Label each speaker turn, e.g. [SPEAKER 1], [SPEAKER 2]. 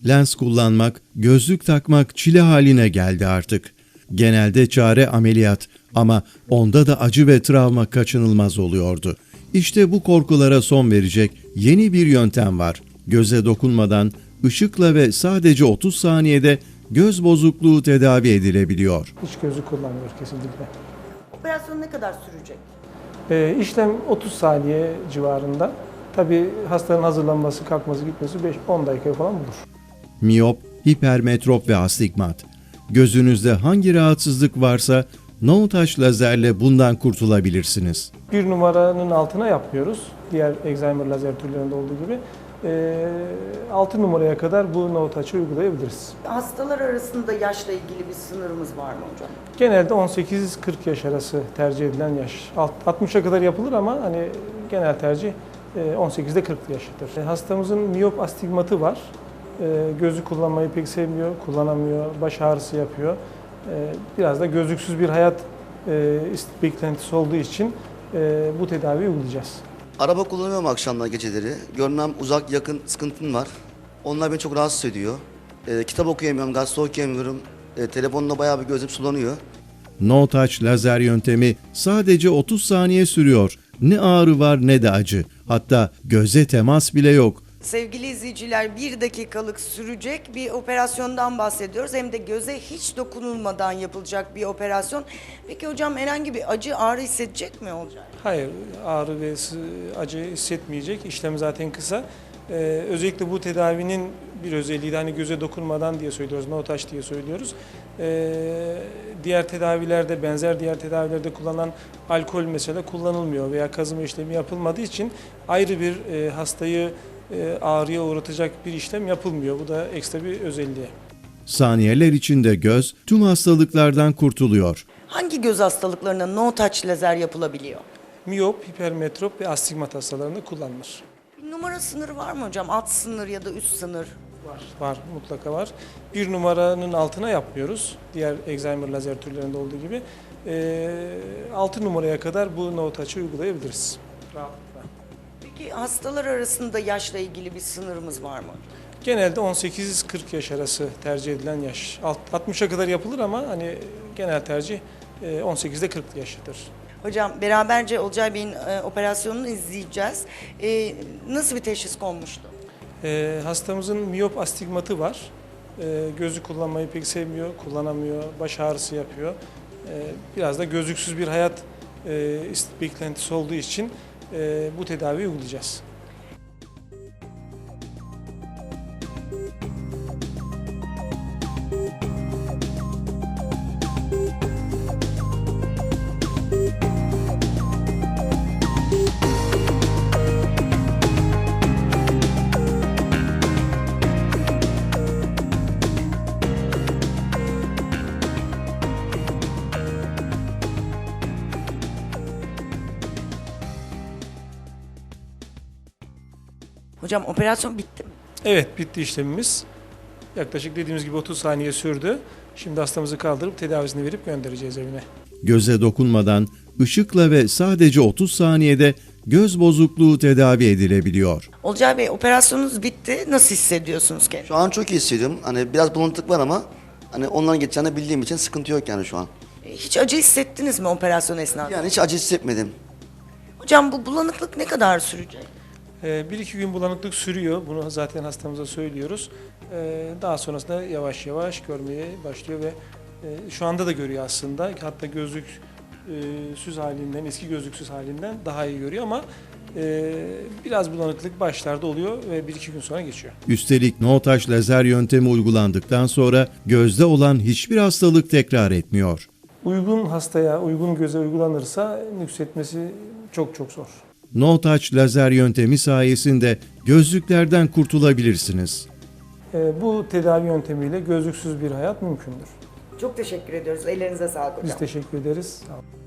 [SPEAKER 1] Lens kullanmak, gözlük takmak çile haline geldi artık. Genelde çare ameliyat ama onda da acı ve travma kaçınılmaz oluyordu. İşte bu korkulara son verecek yeni bir yöntem var. Göze dokunmadan, ışıkla ve sadece 30 saniyede göz bozukluğu tedavi edilebiliyor.
[SPEAKER 2] Hiç gözü kullanmıyor kesinlikle.
[SPEAKER 3] Operasyon ne kadar sürecek?
[SPEAKER 2] İşlem 30 saniye civarında. Tabii hastanın hazırlanması, kalkması, gitmesi 5-10 dakika falan bulur.
[SPEAKER 1] Miyop, hipermetrop ve astigmat. Gözünüzde hangi rahatsızlık varsa no-touch lazerle bundan kurtulabilirsiniz.
[SPEAKER 2] 1 numaranın altına yapmıyoruz. Diğer Excimer lazer türlerinde olduğu gibi. 6 numaraya kadar bu no-touch'ı uygulayabiliriz.
[SPEAKER 3] Hastalar arasında yaşla ilgili bir sınırımız var mı hocam?
[SPEAKER 2] Genelde 18-40 yaş arası tercih edilen yaş. 60'a kadar yapılır ama hani genel tercih 18'de 40 yaşıdır. Hastamızın miyop astigmatı var. Gözü kullanmayı pek sevmiyor, kullanamıyor, baş ağrısı yapıyor. Biraz da gözlüksüz bir hayat beklentisi olduğu için bu tedaviyi uygulayacağız.
[SPEAKER 4] Araba kullanıyorum akşamlar, geceleri. Görmem uzak yakın sıkıntım var. Onlar beni çok rahatsız ediyor. Kitap okuyamıyorum, gazete okuyamıyorum. Telefonda bayağı bir gözüm sulanıyor.
[SPEAKER 1] No-touch lazer yöntemi sadece 30 saniye sürüyor. Ne ağrı var ne de acı. Hatta göze temas bile yok.
[SPEAKER 3] Sevgili izleyiciler, 1 dakikalık sürecek bir operasyondan bahsediyoruz. Hem de göze hiç dokunulmadan yapılacak bir operasyon. Peki hocam herhangi bir acı, ağrı hissedecek mi olacak?
[SPEAKER 2] Hayır, ağrı ve acı hissetmeyecek. İşlem zaten kısa. Özellikle bu tedavinin bir özelliği de hani göze dokunmadan diye söylüyoruz, no touch diye söylüyoruz. Diğer tedavilerde, benzer diğer tedavilerde kullanılan alkol mesela kullanılmıyor veya kazıma işlemi yapılmadığı için ayrı bir hastayı ağrıya uğratacak bir işlem yapılmıyor. Bu da ekstra bir özelliği.
[SPEAKER 1] Saniyeler içinde göz tüm hastalıklardan kurtuluyor.
[SPEAKER 3] Hangi göz hastalıklarına no-touch lazer yapılabiliyor?
[SPEAKER 2] Miyop, hipermetrop ve astigmat hastalarında kullanılır.
[SPEAKER 3] Bir numara sınırı var mı hocam? Alt sınır ya da üst sınır?
[SPEAKER 2] Var, mutlaka var. 1 numaranın altına yapmıyoruz. Diğer Excimer lazer türlerinde olduğu gibi. 6 numaraya kadar bu no-touch'ı uygulayabiliriz. Rahatlıkla.
[SPEAKER 3] Peki hastalar arasında yaşla ilgili bir sınırımız var mı?
[SPEAKER 2] Genelde 18-40 yaş arası tercih edilen yaş. 60'a kadar yapılır ama hani genel tercih 18'de 40 yaşıdır.
[SPEAKER 3] Hocam beraberce Olcay Bey'in operasyonunu izleyeceğiz. Nasıl bir teşhis konmuştu?
[SPEAKER 2] Hastamızın miyop astigmatı var. Gözü kullanmayı pek sevmiyor, kullanamıyor, baş ağrısı yapıyor. Biraz da gözlüksüz bir hayat beklentisi olduğu için bu tedaviyi uygulayacağız.
[SPEAKER 3] Hocam operasyon bitti mi?
[SPEAKER 2] Evet, bitti işlemimiz. Yaklaşık dediğimiz gibi 30 saniye sürdü. Şimdi hastamızı kaldırıp tedavisini verip göndereceğiz evine.
[SPEAKER 1] Göze dokunmadan, ışıkla ve sadece 30 saniyede göz bozukluğu tedavi edilebiliyor.
[SPEAKER 3] Olcay Bey operasyonunuz bitti. Nasıl hissediyorsunuz kendinizi?
[SPEAKER 4] Şu an çok iyi hissediyorum. Hani biraz bulanıklık var ama hani onların geçeceğini bildiğim için sıkıntı yok yani şu an.
[SPEAKER 3] Hiç acı hissettiniz mi operasyon esnasında?
[SPEAKER 4] Yani hiç acı hissetmedim.
[SPEAKER 3] Hocam bu bulanıklık ne kadar sürecek?
[SPEAKER 2] 1-2 gün bulanıklık sürüyor. Bunu zaten hastamıza söylüyoruz. Daha sonrasında yavaş yavaş görmeye başlıyor ve şu anda da görüyor aslında. Hatta gözlüksüz halinden, eski gözlüksüz halinden daha iyi görüyor ama biraz bulanıklık başlarda oluyor ve 1-2 gün sonra geçiyor.
[SPEAKER 1] Üstelik no-touch lazer yöntemi uygulandıktan sonra gözde olan hiçbir hastalık tekrar etmiyor.
[SPEAKER 2] Uygun hastaya, uygun göze uygulanırsa nüksetmesi çok çok zor.
[SPEAKER 1] No-touch lazer yöntemi sayesinde gözlüklerden kurtulabilirsiniz.
[SPEAKER 2] Bu tedavi yöntemiyle gözlüksüz bir hayat mümkündür.
[SPEAKER 3] Çok teşekkür ediyoruz. Ellerinize sağlık hocam.
[SPEAKER 2] Biz teşekkür ederiz. Sağ olun.